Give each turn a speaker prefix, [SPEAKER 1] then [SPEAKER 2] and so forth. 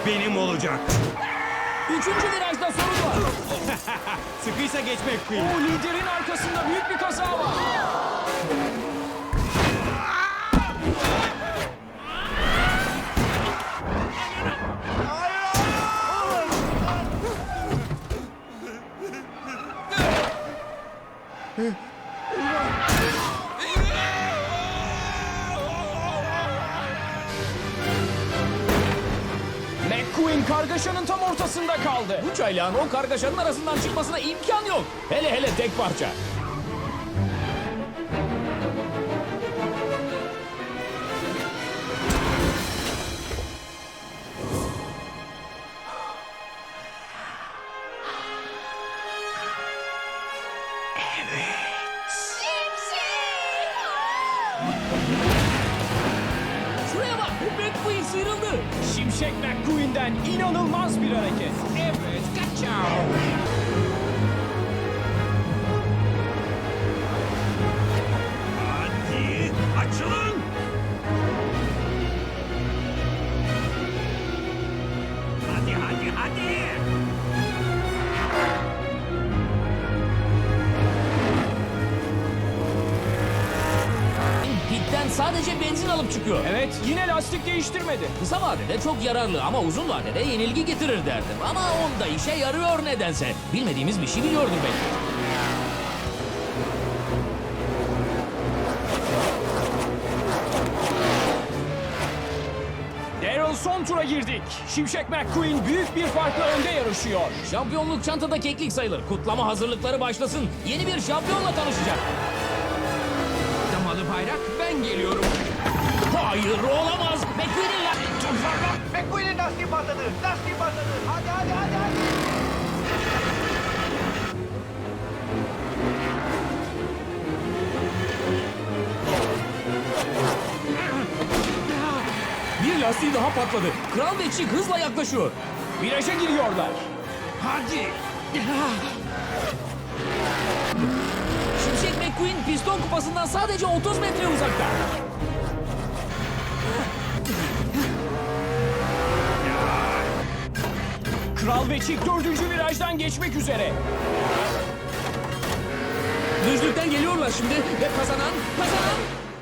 [SPEAKER 1] benim olacak.
[SPEAKER 2] Üçüncü virajda sorun var.
[SPEAKER 1] Sıkıysa geçmek Queen.
[SPEAKER 2] O liderin arkasında büyük bir kaza var. McQueen kargaşanın tam ortasında kaldı.
[SPEAKER 3] Bu çaylağın o kargaşanın arasından çıkmasına imkan yok. Hele hele tek parça. Şuraya bak, McQueen sıyrıldı.
[SPEAKER 2] Şimşek McQueen'den inanılmaz bir hareket. Evet, kaçao.
[SPEAKER 1] Hadi açılın. Hadi.
[SPEAKER 3] Pitten sadece benzin alıp çıkıyor.
[SPEAKER 2] Evet, yine lastik değiştirmedi.
[SPEAKER 3] Kısa vadede çok yararlı ama uzun vadede yenilgi getirir derdim. Ama onda işe yarıyor nedense. Bilmediğimiz bir şey biliyordur belki.
[SPEAKER 2] Daryl son tura girdik. Şimşek McQueen büyük bir farkla önde yarışıyor.
[SPEAKER 3] Şampiyonluk çantada keklik sayılır. Kutlama hazırlıkları başlasın. Yeni bir şampiyonla tanışacak.
[SPEAKER 1] Damalı bayrak ben geliyorum.
[SPEAKER 3] Hayır olamaz. McQueen'in
[SPEAKER 4] McQueen'in lastiği patladı. Hadi.
[SPEAKER 3] bir lastiği daha patladı. Kral ve Chick hızla yaklaşıyor.
[SPEAKER 2] Viraja giriyorlar.
[SPEAKER 1] Hadi.
[SPEAKER 3] Şimşek McQueen piston kupasından sadece 30 metre uzakta.
[SPEAKER 2] Kral ve Chick 4. virajdan geçmek üzere.
[SPEAKER 3] Düzlükten geliyorlar şimdi ve kazanan